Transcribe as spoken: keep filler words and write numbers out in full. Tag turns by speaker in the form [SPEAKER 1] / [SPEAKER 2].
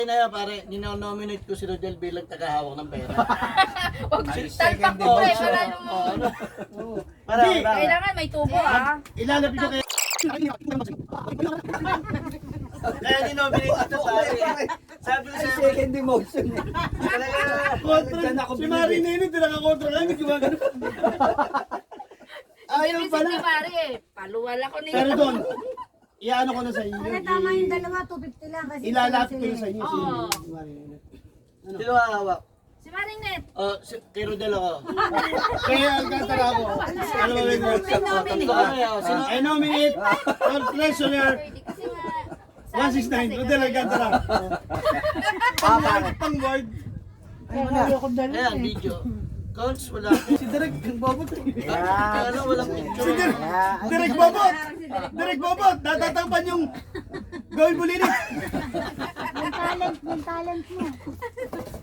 [SPEAKER 1] na yan, pare, ninonominate ko si Rodel bilang tagahawak ng pera.
[SPEAKER 2] Huwag
[SPEAKER 3] Ay,
[SPEAKER 2] talpak
[SPEAKER 3] second
[SPEAKER 2] mo, pre.
[SPEAKER 3] demotion.
[SPEAKER 2] Para yung...
[SPEAKER 1] Oh, ano? Para,
[SPEAKER 4] Hindi.
[SPEAKER 1] para.
[SPEAKER 2] Kailangan may tubo, ah.
[SPEAKER 4] Ilalapit ko kay...
[SPEAKER 1] Kaya ninominate kita, pare. Sabi ko
[SPEAKER 3] Ay,
[SPEAKER 1] sa'yo,
[SPEAKER 3] second demotion.
[SPEAKER 1] talaga.
[SPEAKER 4] Kontra.
[SPEAKER 3] Diyan ako
[SPEAKER 4] Si
[SPEAKER 3] binibig.
[SPEAKER 4] Mari Nene, tinakakontra ka, hindi gumagano. Ayaw
[SPEAKER 2] Ibig
[SPEAKER 4] pala.
[SPEAKER 2] ni Mari eh. Paluwal ako ni...
[SPEAKER 4] Pero doon, iyaano ko na sa inyo.
[SPEAKER 5] Kaya tama yung dalawa, two fifty lang. Kasi
[SPEAKER 4] Ilalapit ko
[SPEAKER 5] sila
[SPEAKER 4] na sa inyo. Si
[SPEAKER 2] Oo.
[SPEAKER 4] Mari Nene.
[SPEAKER 1] Sino hahawak?
[SPEAKER 2] Si Marinette.
[SPEAKER 1] Oh, si, kay Rodel ako.
[SPEAKER 4] Kaya Alcantara ako. Ano ba yun?
[SPEAKER 1] Tatlo kami, oh. Sino?
[SPEAKER 4] I nominate for treasurer
[SPEAKER 2] Pwede kasi nga...
[SPEAKER 4] one six nine, Rodel Alcantara.
[SPEAKER 3] Ah, pare.
[SPEAKER 4] Pang board.
[SPEAKER 1] Ayan, video. Coach, wala.
[SPEAKER 4] Si Derek Bobot.
[SPEAKER 1] Kaya lang, walang picture.
[SPEAKER 4] Si Derek, Derek Bobot. Derek Bobot, natatakpan yung gawin bulilit.
[SPEAKER 5] Yung talent, yung talent mo.